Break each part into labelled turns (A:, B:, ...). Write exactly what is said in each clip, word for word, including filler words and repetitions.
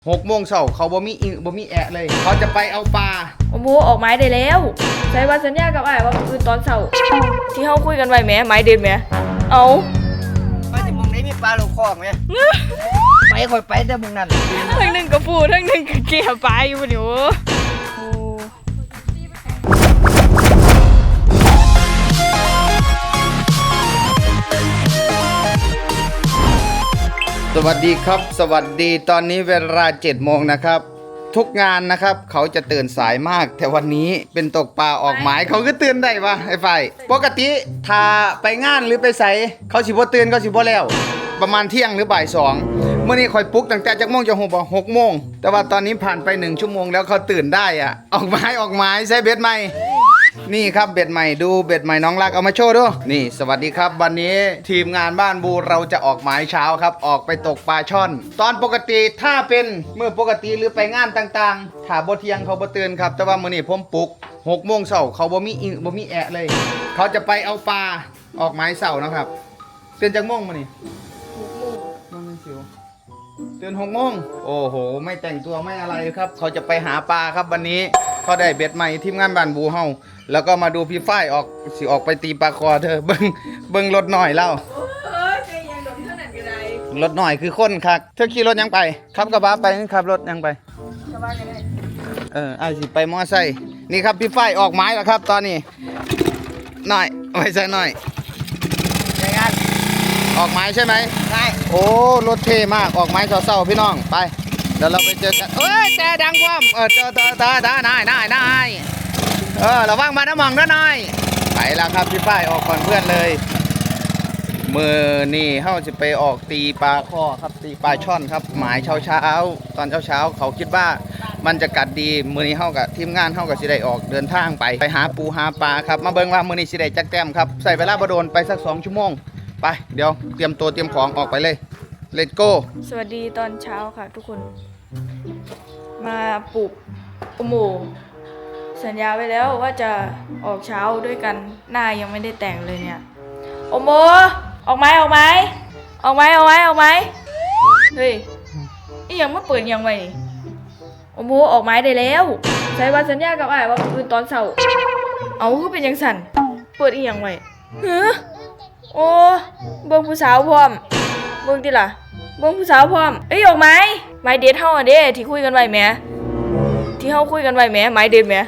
A: หกโมงเช้าเขาบ่มีอิงบ่มีแอะเลยเขาจะไปเอาปลา
B: โอ้โหออกไม้ได้แล้วใช้วันสัญญากับไอ้ว่าคือตอนเช้าที่เขาคุยกันไว้แหมไม้เด็ดแหมเอา
C: ไปแต่มึงนี้มีปลาลูกคอกไหมไปคอยไปแต่มึงนั่น
B: ทั้งหนึ่งกับปูทั้งหนึ่งกับเกี่ยวปลาอยู่นี่โอ้
A: สวัสดีครับสวัสดีตอนนี้เวลาเจ็ดโมงนะครับทุกงานนะครับเขาจะตื่นสายมากแต่วันนี้เป็นตกปลาออกหมายเขาก็ตื่นได้ปะไอ้ไฟปกติถ้าไปงานหรือไปใส่เขาสิบ่ตื่นเขาสิบ่แล้วประมาณเที่ยงหรือบ่ายสองเมื่อนี้คอยปลุกตั้งแต่จากโมงจะหกบ่หกโมงแต่ว่าตอนนี้ผ่านไปหนึ่งชั่วโมงแล้วเขาตื่นได้อะออกหมายออกหมายใช้เบ็ดใหม่นี่ครับเบ็ดใหม่ดูเบ็ดใหม่น้องรักเอามาโชว์ดูนี่สวัสดีครับวันนี้ทีมงานบ้านบูเราจะออกหมายเช้าครับออกไปตกปลาช่อน ตอนปกติถ้าเป็นเมื่อปกติหรือไปงานต่างๆถ้าบ่เที่ยงเขาบ่ตื่นครับแต่ว่ามื้อนี้ผมปลุกหกโมงเช้าเขาบ่มีอิงบ่มีแอะเลย เขาจะไปเอาปลาออกหมายเช้านะครับตื่นจากโมงมื้อนี้หกโมงมันสิวตื่นหกโมงโอ้โหไม่แต่งตัวไม่อะไรครับเขาจะไปหาปลาครับวันนี้เขาได้เบ็ดใหม่ทีมงานบ้านบูเฮาแล้วก็มาดูพี่ฝ้ายออกสิออกไปตีปลาคอเธอเบิ้งเบิ้งรถหน่อยเล่ารถหน่อยคือคนคักเธอขี่รถยังไปขับกระบะไปขับรถยังไปเออไอ้สิไปมอไซค์นี่ครับพี่ฝ้ายออกไม้แล้วครับตอนนี้หน่อยไว้ใส่หน่อยยังไงออกไม้ใช่ไหมใช่โอ้รถเท่มากออกไม้เศร้าๆพี่น้องไปเดี๋ยวเราไปเจอกันเอ้ยแต่ดังกว่าเออเจอเจอเจอเจอนายนายนายเออระวังมาน้ำมองด้วยหน่อยไปแล้วครับพี่ฝ้ายออกก่อนเพื่อนเลยมือนี่เขาจะไปออกตีปลาข้อครับตีปลาช่อนครับหมายเช้าเช้าตอนเช้าเช้าเขาคิดว่ามันจะกัดดีมือนี้เขากับทีมงานเขากับสิได้ออกเดินทางไปไปหาปูหาปลาครับมาเบิ่งว่ามือนี้สิได้จักแต้มครับใส่เวลาบโดนไปสักสองชั่วโมงไปเดี๋ยวเตรียมตัวเตรียมของออกไปเลยเลตโก้
B: สวัสดีตอนเช้าค่ะทุกคนมาปลุกโอโมสัญญาไว้แล้วว่าจะออกเช้าด้วยกันหน้ายังไม่ได้แต่งเลยเนี่ยโอโมออกไหมออกไหมออกไหมออกไหมออกไหมเฮ้ยนี่ยังไม่เปิดยังไงนี่โอโมออกไหมได้แล้วใช้วันสัญญากับไอ้ว่าคือตอนเช้าเอาคือเป็นยังสั่นเปิดอีกยังไงเฮ้อโอ้เบิ่งผู้สาวพร้อมเบิ่งติล่ะเบิ่งผู้สาวพร้อมเอ้ยออกไหมไม้เด็ดเฮาอ่ะเด้ที่คุยกันไว้แหมที่เฮาคุยกันไว้แหมไม้เด็ดแหม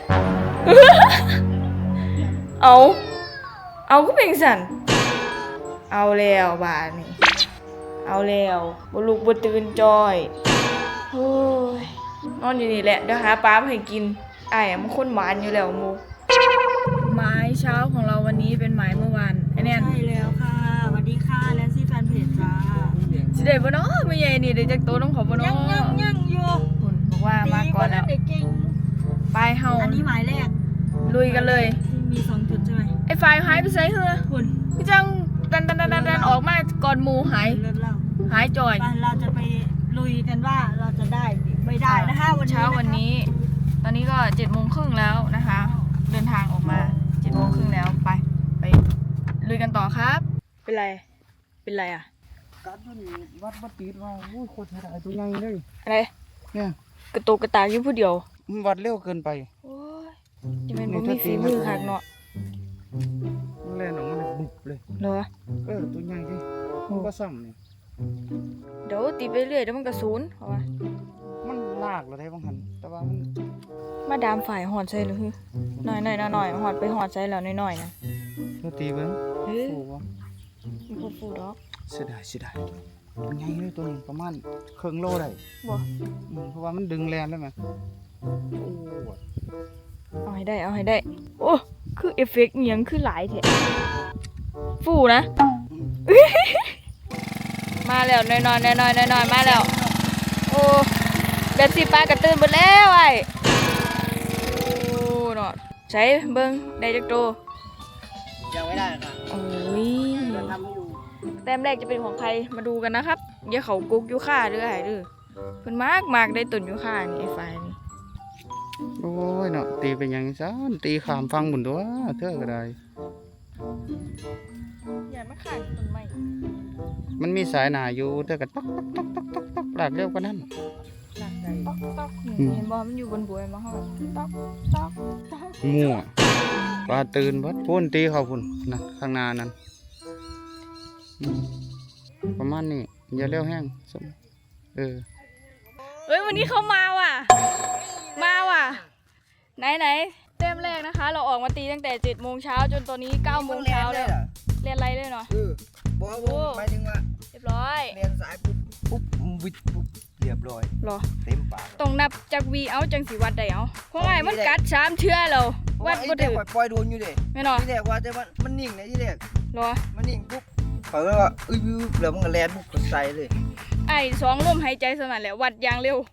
B: เอาเอาก็เป็นสั่นเอาแล้วบาดนี่เอาแล้วบ่ลุกบ่ตื่นจอยโอ้ยนอนอยู่นี่แหละเดี๋ยวหาปลามาให้กินอ้ายมันคนหวานอยู่แล้วหมู่ไม้เช้าของเราวันนี้เป็นไม้เมื่อวานไอ้แน่น
D: ใช่แล้วค่ะสวัสดีค่ะแลนซี่แฟนเพจจ้า
B: สิได้บ่เนาะไม่ใหญ่นี่ได้จักโตน้องขอบ่เนาะ
D: ยังยังยังอยู่
B: คุณบอกว่ามาก่อนแล้วไปเฮา
D: อันนี้หมายแรก
B: ลุยกันเลย
D: ที่มีสองจุดใช่ไหม
B: ไอ้ไฟหายไปไสเฮ้อ
D: คุณ
B: พี่จังดันดันดันดันออกมาก่อนหมู่หาย
D: เลิศเล่า
B: หายจ่อย
D: ไปเราจะไปลุยกันว่าเราจะได้ไม่ได้นะคะวันนี้
B: เช้าวันนี้ตอนนี้ก็เจ็ดโมงครึ่งแล้วนะคะเดินทางออกมาเจ็ดโมงครึ่งแล้วไปไปลุยกันต่อครับเป็นไรเป็นไรอ่ะ
A: การตัวนี้วัดวัดตีดว่าโอ้ยโคตรใหญ่ตัวใหญ่เลย
B: อะไร
A: เนี่ย
B: กระตุกกระตากอยู่ผู้เดียว
A: มันวัดเร็วเกินไป
B: โอ้ยจะเป็นบ่มีฝีมือคักเนาะ
A: มันเล่นออกมาเลยบุบเลย
B: เหรอ
A: เออตัวใหญ่ดิมันก็ซ้ำนี่
B: เดี๋ยวตีไปเรื่อยเดี๋ยวมันกระสูนเพราะว่า
A: มันลากเราได้บางหันแต่ว่ามัน
B: มาดามฝ่ายหอดใส่หรือหน่อยหน่อยหน่อยหอดไปหอดใส่แล้วหน่อยๆนะ
A: เธอตีเบิ้งฟูวะ
B: มันฟูฟูดอก
A: เสียดายเสียดายใหญ่เลยตัวนี้ประมาณครึ่งโลได้
B: บ่
A: เพราะว่ามันดึงแรงได้ไหม
B: เอาให้ได้เอาให้ได้โอ้คือเอฟเฟกต์ยังคือหลายแท้ฟูนะมาแล้วน้อยๆน้อยๆน้อยๆมาแล้วโอ้เบ็ดสิปลากระตื้นหมดแล้วไอ้โอ้เนาะใช้เบิ้งได้จักโต
C: ยังไม่ได้ค่ะ
B: โอ้ย
C: ทำให้ดู
B: แต้มแรกจะเป็นของใครมาดูกันนะครับอย่าเขากุกยูค่าเด้อไอ้เด้อเพิ่นมากมากได้ตุ่นยูค่านี่ไอ้ไฟนี่
A: โอ้ยเนาะตีเป็นยังซันตีขามฟังหมุนตัวเธอก็ได้
B: อย่ามาขาดต้นไม้
A: มันมีสายหนาอยู่เธอก็ต๊อกต๊อกต๊อกต๊อกต๊อกหลากเร็วกว่านั้น
D: หลักใจ
B: ต๊อกต๊อกนี่เห็นบอมันอยู่บนบัวมาเขาแบบต๊อกต๊อกต๊อก
A: มั่วปลาตื่นเบัดพุ่นตีเขาพุ่นนะข้างหน้านั้นอืมประมาณนี้อย่าเร็วแห้งสมเออ
B: เอ้ยวันนี้เขามาว่ะ มาว่ะ ไหนไหนเต็มแรกนะคะ เราออกมาตีตั้งแต่เจ็ดโมงเช้าจนตอนนี้เก้าโมงเช้าแล้วเรียนอะไรเลยเนาะ
C: เออบอกว่าหมายถึงว่า
B: เรียบร้อย
C: เรียนสายปุ๊บปุ๊บวิทย์ปุ๊บเรียบร้อย
B: หรอ
C: เต็มปาก
B: ต้องนับจากวีเอาจังสีวัดได้เอาเพราะไงมันกัดสามเชื่อเราวัดบ่
C: ไอ้เด็
B: ถื
C: ก
B: อ
C: ปล่อยโดนอยู่เด็
B: ไม่เนาะ
C: ที่แรกว่าแต่มันมันนิ่งนะที่แรก
B: หรอ
C: มันนิ่งปุ๊บเขาก็ว่าอุ้ยแล้วมันก็แลนปุ๊บก็ใส่เลย
B: ไอ้สองลมหายใจสนั่นแหละวัดอย่างเร็ว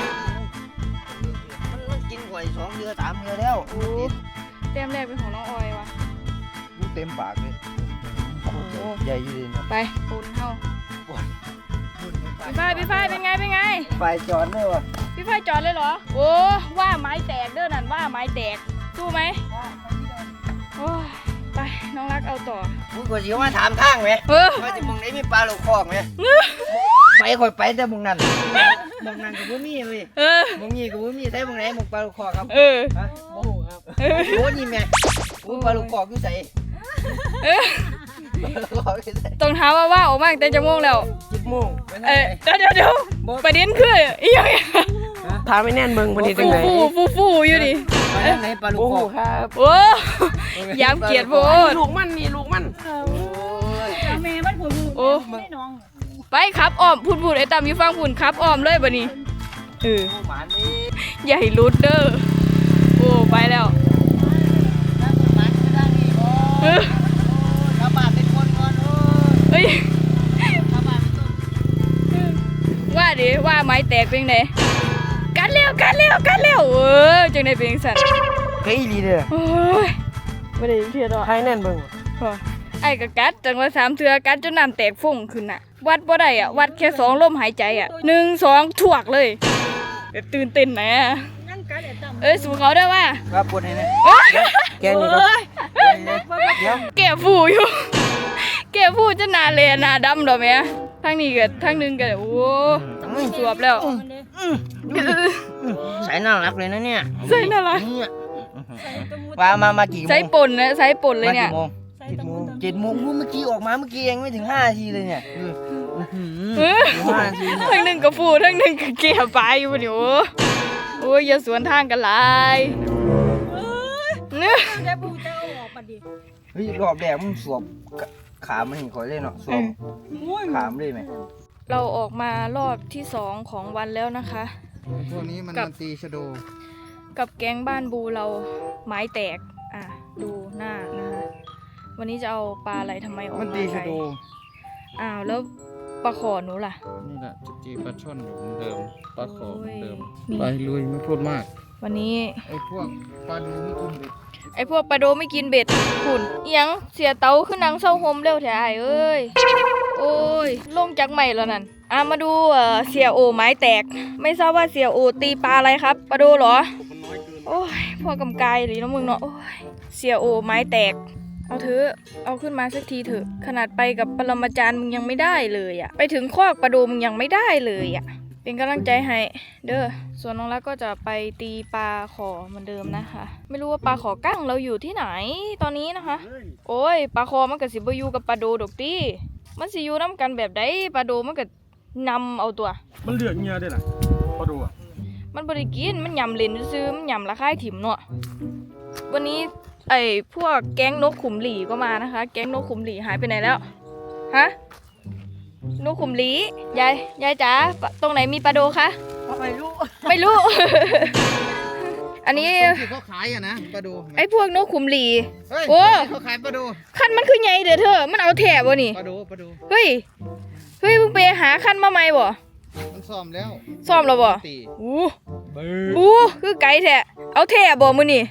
C: มันมันกินกว่าสองเดือนสามเดือนแล้ว
B: โอ้เต็มแรกเป็นของน้องออยว่ะ
C: ดูเต็มปากเลยใหญ่อยู่เลยนะ
B: ไปปูนเข้าพี่ฝ้ายพี่ฝ้ายเป็นไงเป็นไง
C: ไฟจอดเลยวะ
B: พี่ฝ้ายจอดเลยเหรอโอ้ว่าไม้แตกเด้อนั่นว่าไม้แตกสู้ไหมโอ้ยไปน้องรักเอาต่อ
C: มึงก็สิว่าถามทางไหม
B: เออ
C: ว่าจะมึงไหนมีปลาลูกคอกไหมไปคอยไปแต่มึงนั่นมึงนั่นก็บ่มีเลย
B: เออ
C: มึงนี่ก็บ่มีใส่มึงไหนมึงปลาลูกคอกครับ
B: เออ
C: ฮะโอ้โหครับโอ้นี่แม่มึงปลาลูกคอกอยู่ใส่
B: เออ
C: ปลาลูกคอกอยู่ใส่
B: ต้องถามว่าว่าออกมาตั้งแต่จะโมงแล้ว
C: จิบโมง
B: เออเดี๋ยวเดี๋ยวเดี๋ยวประเด็นคืออีหยัง
E: พาไม่แน่นเบิ่งวันนี้จังได
B: ฟูฟูฟูอยู่ดิ
C: ไปไหนปลาลูก
E: โอ้
C: ค
E: โห
C: อก
E: ครับ
B: โอ้ยามเกียรติโพด
E: ลูกมันนี่ลูกมัน
C: โอ้ย
D: แม่มันผัวมือ
B: โอ้
D: ไม่น้อง
B: ไปครับอ้อมพูดพูดไอ้ตามอยู่ฟังพูนครับอ้อมเลยบัดนี้เออ
C: หมานี่
B: อย่าให้รุดเด้อโอ้ไปแล้ว
C: นั่งหมาก็ได้นี่โอ้
B: เออ
C: ชาวบ้านเป็นคนก่อนโอ้
B: เฮ้ย
C: ชาวบ้านเป็นต้น
B: ว่าดิว่าไม้แตกเป็นไงกัดเร็วกัดเร็วกัดเร็วเออจังได้เป็นจังซั่น
C: เฮ้ยลีเด้อ
B: โอ้ยบ่ได้ยินเทียดอก
E: พาให้แน่นเบิ่ง
B: พอไอ้ก็กัดจังว่าสามเทื่อกัดจนน้ำแตกฟุ้งขึ้นน่ะ วัดบ่ได้อ่ะวัดแค่สองลมหายใจอ่ะหนึ่งสองถวกเลยแบบตื่นเต้นนะ
D: นั่งกันไอ้ตั้ม
B: เอ้ยสู้เขาได้ว่า
C: ครับปวดให้นะ
E: แกนี่ก็
C: เดี๋ยว
B: แก่ฟูอยู่ แก่ฟูจะหนาเลยหนาดำดอกแม่ทางนี้ก็ทางนึงก็โอ้สวบแล้ว
D: มันเด้
C: ใส่น่ารักเลยนะเนี่ย
B: ใส่น่ารัก
C: เนี่ย
D: ใส่ตะมู
C: ปลามามากี่โมง
B: ใส่ป่นนะใส่ป่นเลยเนี่ย
C: มากี่โมง
D: ใส่ตะมูตะ
C: เจ็ดโมงเมื่อกี้ออกมาเมื่อกี้เองไม่ถึงห้านาทีเลยเนี่ยอือหือ
B: เออ
C: ห้านาทีเนี่ย
B: ทางหนึงก็ฟูทางหนึงก็แก่ไปอยู่บ่นี่โอ้โอ้ยอย่าสวนทางกันหลายเนื้อ
D: ได้ปูจะเอาออกมาดิ
C: เฮ้ยรอบแรกมึงสวบขามันเห็นคอยเล่นเนาะสวบขามเลยไหม
B: เราออกมารอบที่สองของวันแล้วนะคะ
A: พวกนี้มัน
B: กับ
A: มันตีชะโด
B: กับแก๊งบ้านบูเราไม้แตกอ่ะดูหน้านะคะวันนี้จะเอาปลาอะไรทำไมออก
A: มัน
B: มา
A: ตี
B: ไกล
A: ชะโด
B: อ้าวแล้วปลาขอหนูล่ะ
A: นี่แหละจะตีปลาช่อนอยู่เหมือนเดิมปลาขอเหมือนเดิม
B: โอ้ย
A: ไปลุยไม่พูดมาก
B: วันนี้
A: ไอ้พวกปลาดูไม่กินเด็ก
B: ไอพวกปลาโดไม่กินเบ็ดขุนเอียงเสียเตาขึ้นนังเศร้าโฮมเร็วแท้ไอ้เอ้ยโอ้ยลงจากใหม่แล้วนั่นอ่ะมาดูเอ่อเสียโอไม้แตก ไม่ทราบว่าเสียโอตีปลาอะไรครับปลาโดเหรอโอ้ยพ่อกำกายหรือน้องมึงเนาะโอ้ยเสียโอไม้แตก เอาเถอะเอาขึ้นมาสักทีเถอะขนาดไปกับปรมาจารย์มึงยังไม่ได้เลยอะไปถึงคอกปลาโดมึงยังไม่ได้เลยอะเป็นกำลังใจให้เด้อส่วนน้องรักก็จะไปตีปลาขอเหมือนเดิมนะคะ ไม่รู้ว่าปลาขอกั้งเราอยู่ที่ไหนตอนนี้นะคะ โอ้ยปลาคอมันก็สิบ่อยู่กับปลาโดดอกตี้มันสิอยู่น้ำกันแบบใดปลาโดมันก็นำเอาตัว
F: มันเหลือกเงียได้ล่ะพอดูอ่ะ
B: มันบริกินมันยำเลนซื้อๆมันยำละค่ายถิ่มเนาะวันนี้ไอ้พวกแก๊งนกขุมหลีก็มานะคะ แก๊งนกขุมหลีหายไปไหนแล้วฮะนกขุมหลียายยายจ๋าปะตรงไหนมีปลาโดคะ
C: ไม่รู้
B: ไม่รู้ อันนี้
A: ที่เขาขายอะนะปลาดู
B: ไอ้พวกนกขุมหลี
A: เฮ้ย
B: โอ้
A: เขาขายปลาดู
B: คันมันคือไงเด้อเธอมันเอาแถบบ่นี่
A: ปลาดูปลาดู
B: เฮ้ยเฮ้ยมึงไปหาคันมาใหม่บ่
A: มันซ่อมแล้ว
B: ซ่อมแล้วบ่
A: ตี
B: อู้อู้คือไก่แท้เอาแถบบ่มื้อนี่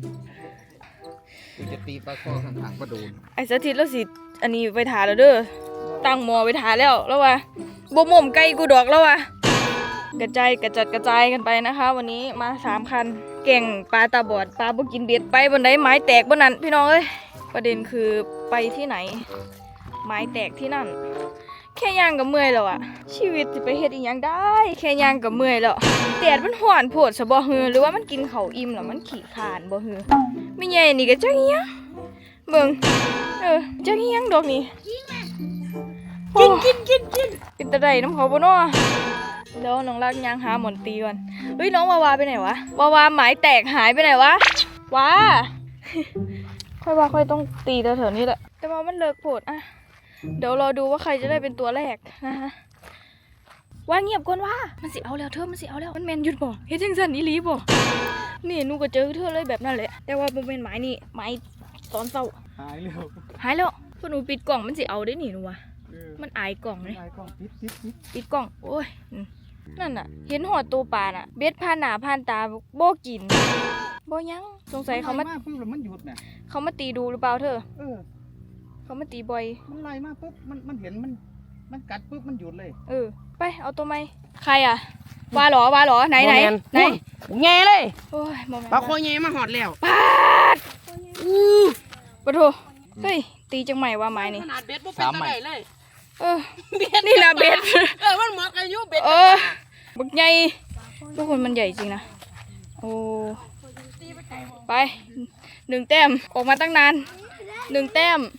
A: กูจะตีปลาคอข้างๆปลาดู
B: ไอ้สถิตแล้วสิอันนี้ไปทาแล้วเด้อตั้งหมอไปทาแล้วแล้วว่าบ่หม่อมไก่กูดอกแล้วว่ะกระจายกระจัดกระจายกันไปนะคะ วันนี้มาสามคันเก่งปลาตาบอดปลาบ่กินเบ็ดไปบนไดไม้แตกบนนั้นพี่น้องเอ้ยประเด็นคือไปที่ไหน ไม้แตกที่นั่น แคแค่ย่างกับเมื่อยแล้วอะชีวิตจะไปเฮ็ดอีหยังได้ แค่ย่างกับเมื่อยแล้วแดดมันร้อนโพดซะบ่ฮือหรือว่ามันกินข้าวอิ่มแล้วมันขี้คร้านบ่ฮือไม่ใหญ่นี่ก็จักอีหยังเบิ่งเออจักอีหยังดอกนี่กินกินกินกินกินตะไดน้ำเขาบ่เนาะเดี๋ยวน้องรักย่างหาหมอนตีก่อนเฮ้ยน้องวาวาไปไหนวะวาวาหมายแตกหายไปไหนวะว้า ค่อยว่าค่อยต้องตีแถวๆนี้แหละแต่ว่ามันเลิกโผดอะเดี๋ยวรอดูว่าใครจะได้เป็นตัวแรกนะคะว่าเงียบก่อนว่ามันสิเอาแล้วเธอมันสิเอาแล้วมันแมนหยุดบ่เฮ็ดจังซั่นอีหลีบ่นี่หนูก็เจอเธอเลยแบบนั้นแหละแต่ว่าบ่แม่นหมายนี่หมายตอนเช้า
F: หายเร็ว
B: หายแล้วพวกหนูปิดกล่องมันสิเอาได้นี่หนูว่ะ
F: เออ
B: มันอายกล่องเลย
F: หายกล้องปิดปิดปิด
B: ปิดกล่องโอ้ยอืมนั่นน่ะ เห็นหอดตัวปลาน่ะเบ็ดผ่านหน้าผ่านตาบ่กินบ่ยังสงสัยเขามา
C: ไล่ปุ๊บแล้วมันหยุดเนี่ย
B: เขามาตีดูหรือเปล่าเธอ
C: เออ
B: เขามาตีบ่อย
C: มันไล่มาปุ๊บมันมันเห็นมันมันกัดปุ๊บมันหยุดเลย
B: เออ ไปเอาตัวไหมใครอ่ะวาเหรอวาเหรอไหนไหนไหน
E: แง่เลย
B: โอ้ยโมเมนต์
E: ปลาคอแง่มาหอดแล้ว
B: ปาดอู้ปะโถเฮ้ยตีจังใหม่ว่าไม้นี่
E: ขนาดเบ็ดบ่เป็นตะไดเลย
B: เออนี่นะเบ็ด
E: เออมันเหมาะกับอายุเบ็ด
B: เออบักใหญ่ทุกคนมันใหญ่จริงนะโอ้ไปหนึ่งแต้มออกมาตั้งนานหนึ่งแต้ม